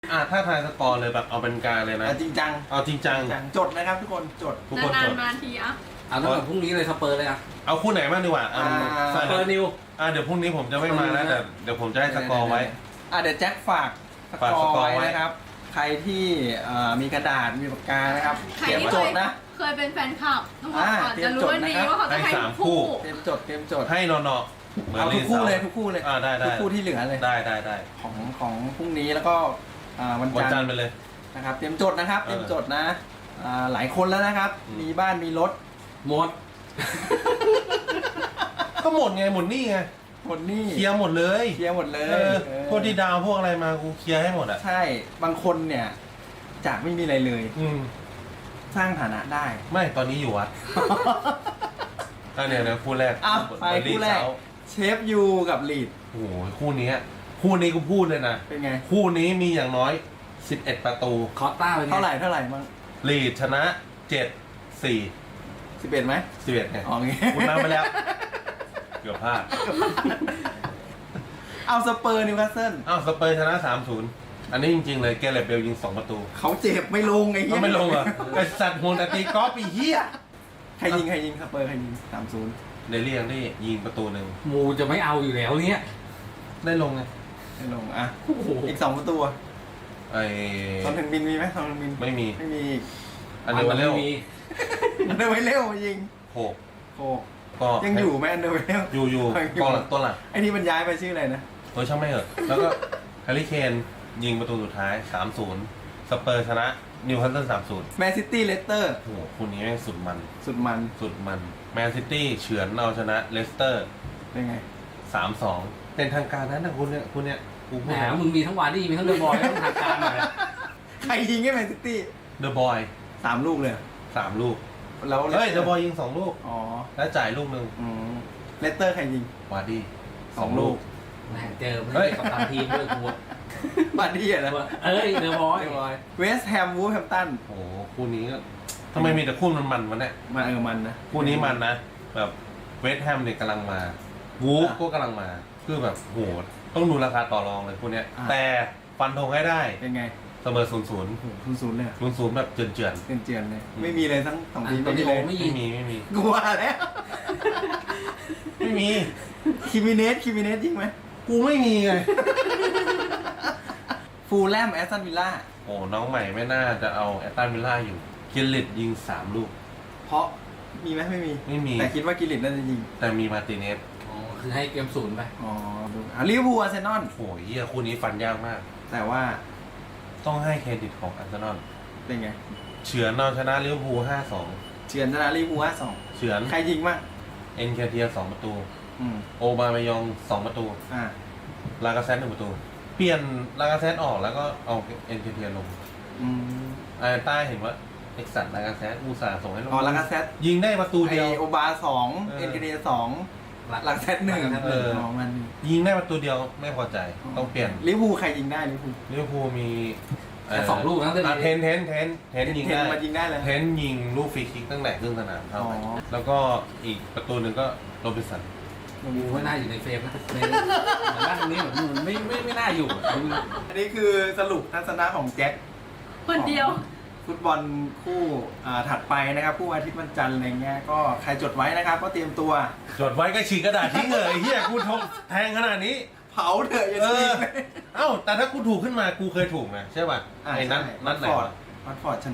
ถ้าทายสกอร์เลยแบบเอาเป็นกลางเลยนะจริงจังเอาจริงจังจดนะครับทุกคนจดทุกคนจดนานๆทีอ่ะเอาตั้งแต่พรุ่งนี้เลยสเปอร์เลยอ่ะเอาคู่ไหนบ้างดีกว่าสเปอร์นิวเดี๋ยวพรุ่งนี้ผมจะไม่มานะแต่เดี๋ยวผมจะให้สกอร์ไว้เดี๋ยวแจ็คฝากสกอร์ไว้นะครับใครที่มีกระดาษมีปากกานะครับเตรียมจดนะเคยเป็นแฟนคลับต้องบอกก่อนจะรู้วันนี้ว่าเขาจะให้คู่เตรียมจดให้นอนเอาทุกคู่เลยทุกคู่ที่เหลือเลยได้ของพรุ่งนี้แล้วก็วันจันทร์ไปเลยนะครับเตรียมจดนะครับเตรียมจดนะหลายคนแล้วนะครับมีบ้านมีรถหมดก็หมดไงหมดนี่ไงหมดนี่เคลียร์หมดเลยพวกที่ดาวพวกอะไรมากูเคลียร์ให้หมดอ่ะใช่บางคนเนี่ยจากไม่มีอะไรเลยสร้างฐานะได้ไม่ตอนนี้อยู่วัดเนี่ยคู่แรกไปคู่แรกเชฟยูกับลีดโอ้โหคู่นี้กูพูดเลยนะเป็นไงคู่นี้มีอย่างน้อย11ประตูคอต้าเป็นเท่าไหร่มั้งลีดชนะ7-4 11ไหม 11ไงอ๋องี้คุณนำไปแล้วเกือบพลาดเอาสเปอร์นิวคาสเซิลสเปอร์ชนะ 3-0 อันนี้จริงๆเลยแกเรตเบลยิง2ประตูเขาเจ็บไม่ลงไอ้เหี้ยไม่ลงอ่ะไอ้สัตว์โหนแต่ตีกอล์ฟอีเหี้ยใครยิงสเปอร์ใครยิง 3-0 เดลี่ยังได้ยิงประตูหนึ่งมูจะไม่เอาอยู่แล้วเนี่ยได้ลงไงได้ลงอีก2ประตูตอนถึงบินมีไหมตอนถึงบินไม่มีอันเดอร์ไวเร็วยิงโคก็ยังอยู่ไหมอันเดอร์ไวเร็วอยู่กองหลังตัวหลังไอ้นี่มันย้ายไปชื่ออะไรนะช่างไม่เหอะแล้วก็แฮร์รี่เคนยิงประตูสุดท้าย 3-0 สเปอร์ชนะนิวคาสเซิล 3-0 แมนซิตี้เลสเตอร์โอ้โหคู่นี้แม่งสุดมันแมนซิตี้เฉือนเอาชนะเลสเตอร์เป็นไง 3-2 เป็นทางการนะคุณเนี่ยกูแหมมึงมีทั้งวาร์ดี้มีทั้งเดอะบอยทั้งทางการหน่อยใครยิงให้แมนซิตี้เดอะบอย 3 ลูกเลย 3 ลูกแล้วเดอะบอยยิง2 ลูกแล้วจ่ายลูกนึงเลสเตอร์ใครยิงวาร์ดี้2 ลูกเจอไม่ได้กับทางทีมด้วยกูวาร์ดี้นะเดอะบอยเวสต์แฮมวูฟแฮมตันโอ้คู่นี้ก็ทำไมมีแต่คู่มันวะเนี่ยมันนะคู่นี้มันนะแบบเวสต์แฮมเนี่ยกำลังมาวูฟก็กำลังมาคือแบบโหต้องดูราคาต่อรองเลยคู่นี้แต่ฟันธงให้ได้เป็นไงเสมอ 0-0 เลย 0-0แบบเจือนเลยไม่มีเลยทั้ง2ทีมไม่มีกลัวแล้วไม่มีคิมิเนสยิงไหมกูไม่มีไงฟูลแลมแอสตันวิลล่าโอ้น้องใหม่ไม่น่าจะเอาแอสตันวิลล่าอยู่กิลลิตยิง3 ลูกเพราะมีไหมไม่มีแต่คิดว่ากิลลิตน่าจะยิงแต่มีมาติเนสคือให้เกม0ไปลิเวอร์พูลอาร์เซนอลโอ้ยคู่นี้ฟันยากมากแต่ว่าต้องให้เครดิตของอาร์เซนอลเป็นไงเฉือนเอาชนะลิเวอร์พูล 5-2 เฉือนชนะลิเวอร์พูล 5-2 เฉือนใครยิงบ้างเอ็นเคเทีย2 ประตูโอบามายอง2 ประตูลากาเซต1 ประตูเปลี่ยนลากาเซตออกแล้วก็เอาเอ็นเคเทียลงใต้เห็นว่าเอ็กซัตลากาเซตอุตส่าห์ส่งให้ลงลากาเซตยิงได้ประตูเดียวโอบา2เอ็นเคเทีย2ลากาเซต1มันยิงได้ประตูเดียวไม่พอใจต้องเปลี่ยนลิเวอร์พูลใครยิงได้ลิเวอร์พูลมี 2 ลูกนะเทนยิงได้เลยเทนยิงลูกฟรีคิกตั้งแต่ครึ่งสนามเข้าไปแล้วก็อีกประตูหนึ่งก็โรบินสันไม่น่าอยู่ในเฟรมนะในด้านตรงนี้เหมือนไม่น่าอยู่อันนี้คือสรุปทัศนะของแจ็คคนเดียวฟุตบอลคู่ถัดไปนะครับคู่อาทิตย์วันจันทร์อะไรเงี้ยก็ใครจดไว้นะครับก็เตรียมตัวจดไว้ก็ฉีกกระดาษทิ้งเลยเฮียกูแทงขนาดนี้เผาเถอะอย่าทิ้งแต่ถ้ากูถูกขึ้นมากูเคยถูกนะใช่ป่ะไอ้นัดไหนวัตฟอร์ดชนะ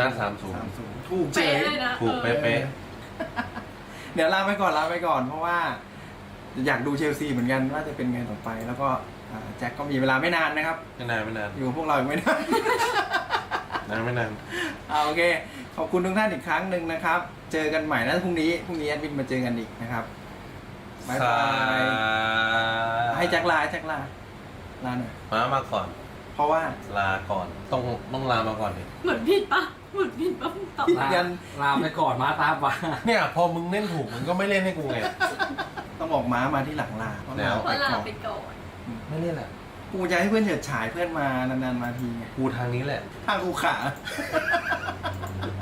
3-0 ถูกเจ๊ถูกเป๊ะเดี๋ยวลาไปก่อนเพราะว่าอยากดูเชลซีเหมือนกันว่าจะเป็นไงต่อไปแล้วก็แจ็คก็มีเวลาไม่นานนะครับไม่นานอยู่พวกเราไม่นานไม่นานโอเคขอบคุณทุกท่านอีกครั้งหนึ่งนะครับเจอกันใหม่นะพรุ่งนี้แอดมินมาเจอกันอีกนะครับบ๊ายบายให้แจ็คลาหน่อยมาก่อนเพราะว่าลาก่อนต้องลามาก่อนดิเหมือนผิดปะตอบลาไปก่อนมาตามมาเนี่ยพอมึงเล่นถูกมึงก็ไม่เล่นให้กูไงต้องบอกม้ามาที่หลังลาแล้วลาไปก่อนไม่เล่นแหละกูจะให้เพื่อนเฉิดฉายเพื่อนมานานๆมาทีไงกูทางนี้แหละทางกูขา